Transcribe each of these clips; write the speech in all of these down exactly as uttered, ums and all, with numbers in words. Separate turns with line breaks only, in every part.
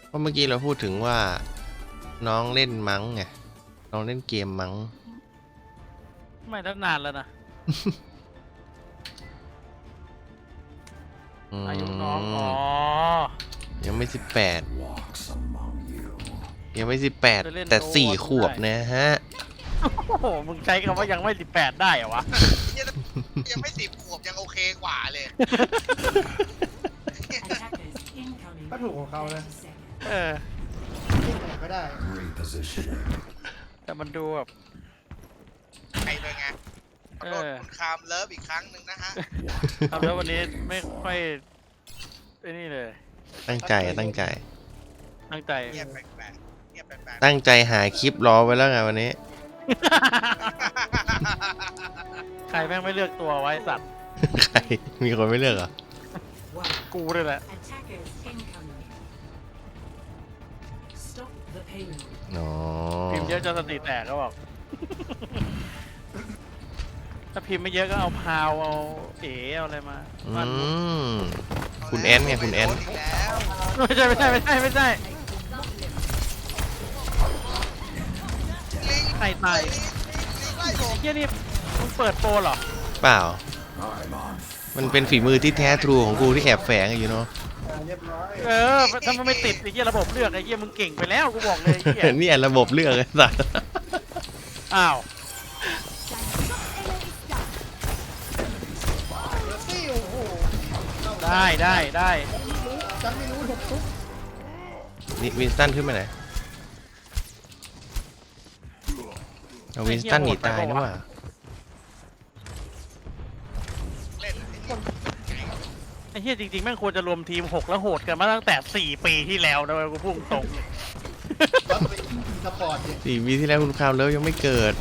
เพราะเมื่อกี้เราพูดถึงว่าน้องเล่นมั้งไงน้องเล่นเกมมั้ง
ไม่ตั้งนานแล้วนะอายุน้องอ๋อ
ยังไม่สิบแปดยังไม่สิบแปดแต่สี่ขวบนะฮะ
โอ้โหมึงใช้คำว่ายังไม่สิบแปดได้เหรอวะ
ยังไม่สิบขวบยังโอเคกว่าเลย
ก็ถูกของเขาเลย
เออ
ที่ไหนก็ได้
แต่มันดูแบบ
ใครเป็นไงขอโทษคุณคามเลิฟอีกครั้งหนึ่งนะฮะ
ทำแล้ววันนี้ไม่ค่อยไอ้นี่เลย
ตั้งใจตั้งใจ
ตั้งใจ
เงียบแปลกๆเงียบแปลก
ตั้งใจหาคลิปรอไว้แล้วไงวันนี้
ใครแม่งไม่เลือกตัวไว้สัตว์
ใครมีคนไม่เลือกเหรอ
กูเลยแหละ
อ๋อ
พิมพ์เยอะจนสติแตกก็บอกถ้าพิมพ์ไม่เยอะก็เอาพาวเอาเอ๋เอาอะไรมา
อืมคุณแอนไงคุณแอน
ไม่ใช่ไม่ใช่ไม่ใช่ไม่ใช่ใครตายไอ้เหี้ยนี่มึงเปิดโปรเหรอ
เปล่ามันเป็นฝีมือที่แท้ทรูของกูที่แอบแฝงอยู่เนาะ
เออถ้ามันไม่ติดไอ้เหี้ยระบบเลือกไอ้เหี้ยมึงเก่งไปแล้วกูบอกเลยไอ้เหี้ย
นี่ระบบเลือกไอ้สัส
อ้าวได้ได้ได้
ฉันไม่รู้ถูกทุก
นี่วินสตันขึ้นไปไหนเอาวินสตันหนีตายนะว่า
ไอ้เหี้ยจริงๆแม่งควรจะรวมทีมหกแล้วโหดกันมาตั้งแต่สี่ปีที่แล้วนะกูพุ่งตรง
สี่ปีที่แล้วคุณคาวเลิฟยังไม่เกิด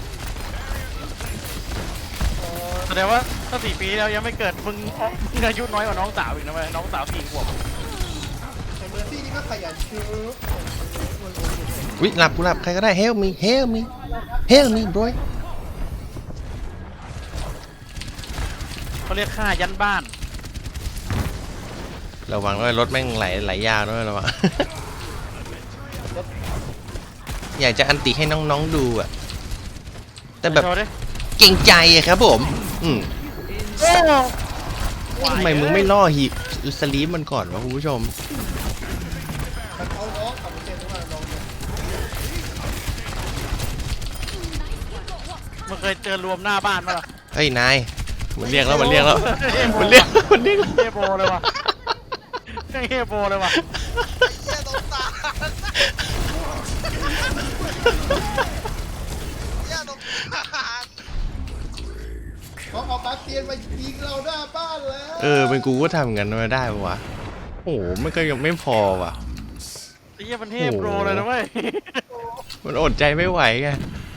แสดงว่าถ้าสี่ปีแล้วยังไม่เกิดมึงมึงอายุน้อยกว่าน้องสาวอีกนะเว้ยน้องสาวสี่ขวบ
ไอ้เมอร์ซี่นี่ก็ขยันชื้อ
วิหลับกูหลับใครก็ได้ help me help me help me bro
เขาเรียกค่ายันบ้าน
ระวังด้วยรถแม่งไหลไหลยาวด้วยระวังอยากจะอันติให้น้องๆดูอ่ะแต่แบบเก่งใจอะครับผมอืมทำไมมึงไม่ล่อฮีสลีปมันก่อนวะคุณผู้ชม
มันเคยเจอรวมหน้าบ้านมั้ยล่ะ
เฮ้ยนายมันเรียกแล้วมันเรียกแล้วมันเรียกมันเรียก
เฮโบเลยว่ะเฮโบเลยว่ะ
เหี้ยตรงตาเหี้ยตรงตา
เขาเอาบาสเตียนมายิงเราหน้าบ้านแล้ว
เออเป็นกูก็ทำกันมาได้ปะวะโอ้โหมันก็ยังไม่พอว่ะ
ไอ้เหี้ยมันเฮโบเลยนะเว้ย
มันอดใจไม่ไหวไง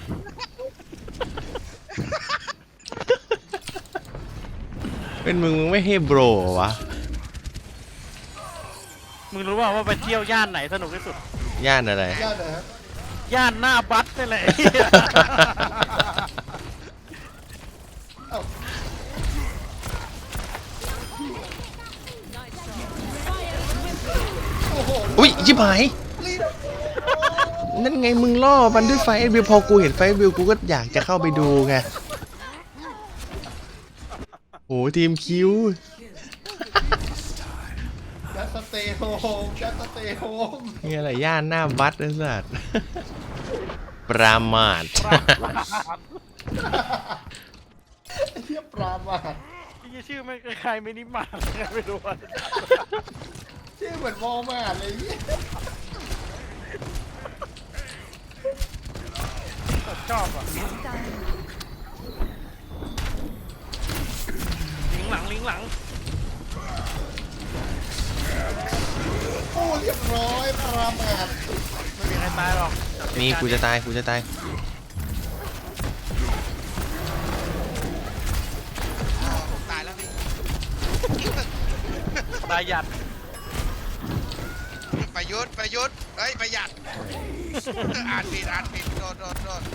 เป็นมึงมึงไม่เฮโบรวะ
มึงรู้ป่าวว่าไปเที่ยวย่านไหนสนุกที่สุด
ย่านอะไร
ย่านไหนครับ
ย่านหน้าบัสนี่แหละ
อุ้ยชิบหายนั่นไงมึงล่อมันด้วยไฟวิวพอกูเห็นไฟวิวกูก็อยากจะเข้าไปดูไงโอ้ทีมคิว
จัสเตย์โฮมจัสเตย์โฮม
นี่อะไรย่านหน้าบัสนะสัตว์ปรามาท
ไอ้เหี้ยปรามาท
ไอ้เหี้ยชื่อไม่คล้ายๆมินิมาร์ทไม่รู้ว่า
ชื่อเหมือนวอลมาร์ทเลยเนี่ย
ชอบอ่ะลิงหลังลิงหลัง
โอ้เรียบร้อยปรามาท
ไม่มีใครตายหรอก
นี่กูจะตายกูจะตาย
ตายแล้วพี่
ประหยัด
ประยุทธ์ประยุทธ์เฮ้ยประหยัดอ่านผิดอ่านผิดโดนโดนโดน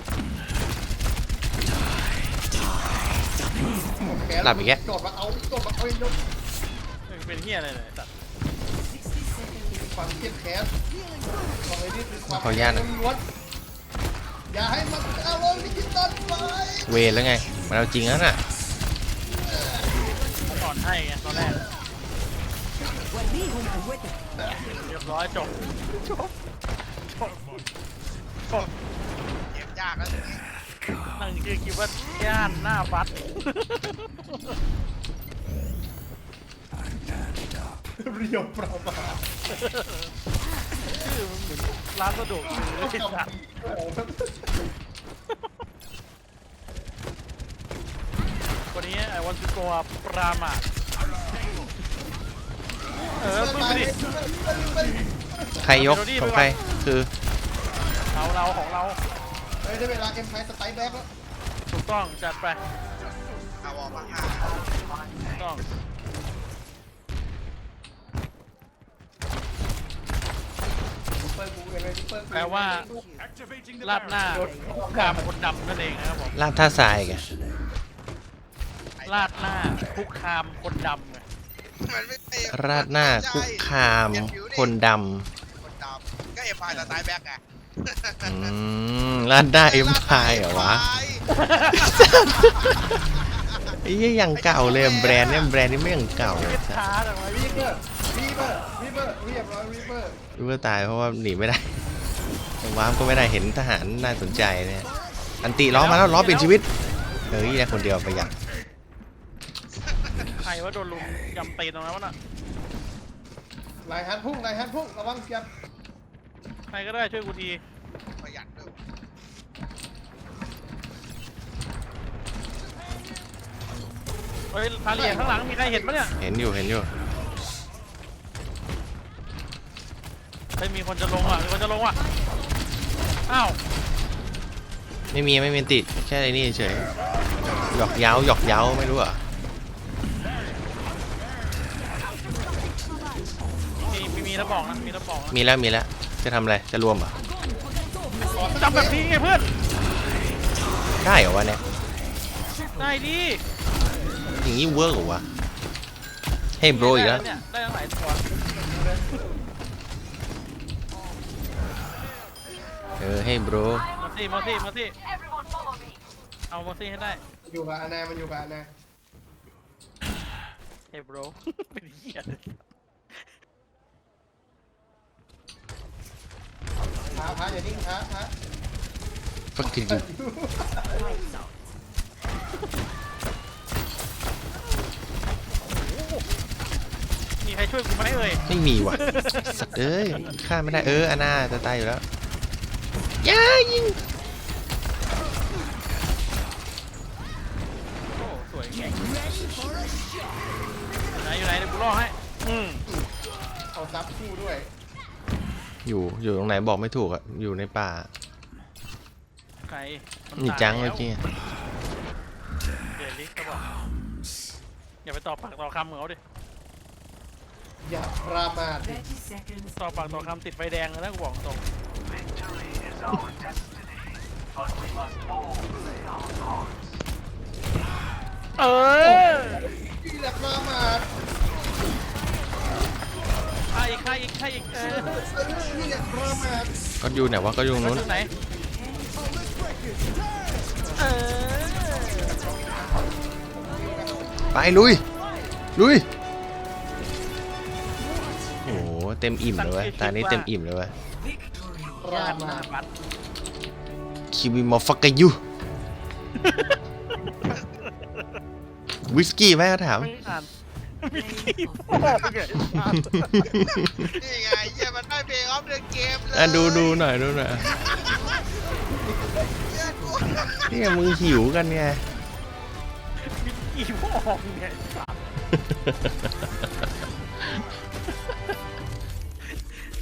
หลับอีกแก
กดมาเอากดมาเอาอีกยก
เป็นเหี้ยอะไรเลยสัตว์
ความเครียดแค้นบอกเลยนี่คือความ
ขออนุญาตนะ
ล้วนอย่าให้มันเอาลงดิจิตอลไป
เวรแล้วไงมันเอาจริงแล้วน่ะ
สอนให้ไงตอนแรกเรียบร้อยจบจบจบจบ
เกมยากแล้วทีนี้
นั่งคือคิดว่าย่านหน้าบัส
เรียวประมาท
ชื่อมันเหมือนร้านสะดวกซื้อไอ้สัตว์วันนี้ไอ้วันสุโกะปรามาทเออมึงไปดิ
ใครยกของใครคือ
เราเราของเรา
เฮ้ยได้เวลาเอ็มไพสไตล์แบ็กแล้ว
ถูกต้องจัดไป
เอาออกมาห้า
ถูกต้อง
ซุปเปอร์กูเลยซุปเปอร์กู
แปลว่าลาดหน้าคุกคามคนดำนั่นเองนะครับผม
ลาดท่าทรายไง
ลาดหน้าคุกคามคนดำไง
มันไม่เตะ
ราดหน้าคุกคามคนด
คนดำก็เอ็มพายสไตล์แบ็กไง
ำอืมราดหน้าเอ็มพายเหรอวะไอ้ยี่ยังเก่าเลยแบรนด์เนี่ยแบรนด์นี้ไม่ยังเก่าเลย
เก็บช้าแต่ว่า
วีเบอร์วีเบอร์วีเบอร์เรียบร้อยวีเบอร์
รู้ว่าตายเพราะว่าหนีไม่ได้ว้ามก็ไม่ได้เห็นทหารน่าสนใจเนี่ยอันติล้อมาแล้วล้อเปลี่ยนชีวิตเฮ้ยได้คนเดียวประหยัด
ใครว่าโดนลุมยำตีนตรงนั้นวะน่ะ
ลายฮันพุ่งลายฮันพุ่งระวังเสียบ
ใครก็ได้ช่วยกูที
ประหยัดด้วย
เฮ้ยพาเลียข้างหลังมีใครเห็นปะเนี่ย
เห็นอยู่เห็นอยู่
เฮ้ยมีคนจะลงอ่ะมีคนจะลงอ่ะอ้าว
ไม่มีไม่มีติดแค่ไอ้นี่เฉยหยอกเย้าหยอกเย้าไม่รู้เหรอ่ะ
มีมีมีแล้วบอกนะมีแล้วบอกนะ
มีแล้วมีแล้วจะทำอะไรจะรวมเหรอ่ะ
จำแบบนี้ไงเพื่อน
ได้เหรอวะเนี่ย
ได้ดิ
อย่างนี้เวิร์กเหรอวะให้โบรอีกแล้ว
เนี่ยได้ทั้งหลายตัว
เออให้โบร
มาสิมาสิมาสิเอามาสิให้ได้
อยู่กับอานามันอยู่กับอานา
เฮ้ย bro เป็นเหี้ย
พาพาอย่านิ่งพาพา
ฟักกิ้ง
มีใครช่วยกูไหมเอ่ย
ไม่มีว่ะสัตว์เอ้ยฆ่าไม่ได้เอออาน่าจะตายอยู่แล้วย่ายิง
โอ้สวยเก่งอยู่ไหนอยู่ไหนเดี๋ยวกูล่อให้อืม
เอาซับคู่ด้วย
อยู่อยู่ตรงไหนบอกไม่ถูกอ่ะอยู่ในป่า
ใครมัน
นี่
ตาย
จัง
แล้
เมื่อกี้
เดลิกก็บอกอย่าไปตอบปากต่อคำเหมือนเขาดิ
อย่าประมาท
ตอบปากต่อคำติดไฟแดงเลยนะกูบอกตรงเออ
อย่าประมาท
ใครอีกใครอีกใครอีกเออ
อย่าประมาท
ก็อยู่ไหนวะก็อยู่ตรง
มัน
นู้น
อยู่ไหนเออ
ไปลุยลุยโอ้โหเต็มอิ่มเลยเว้ยตานี้เต็มอิ่มเลยเว้ย
ประ
ย่านห
มา
น้า
ท
บัตร
คิวิมอฟักกายูวิสกี้ไหมเขาถาม
ไม่อ่านมีขี้พ่อไปไงอ่าน
นี่ไงเหี้ยมันได้เพลงออฟเดอะเกมเลย
อ่ะดูดูหน่อยดูหน่อย
เหี้ยกู
เนี่ยมึงหิวกันไง
มีขี้พ่อไงสัตว์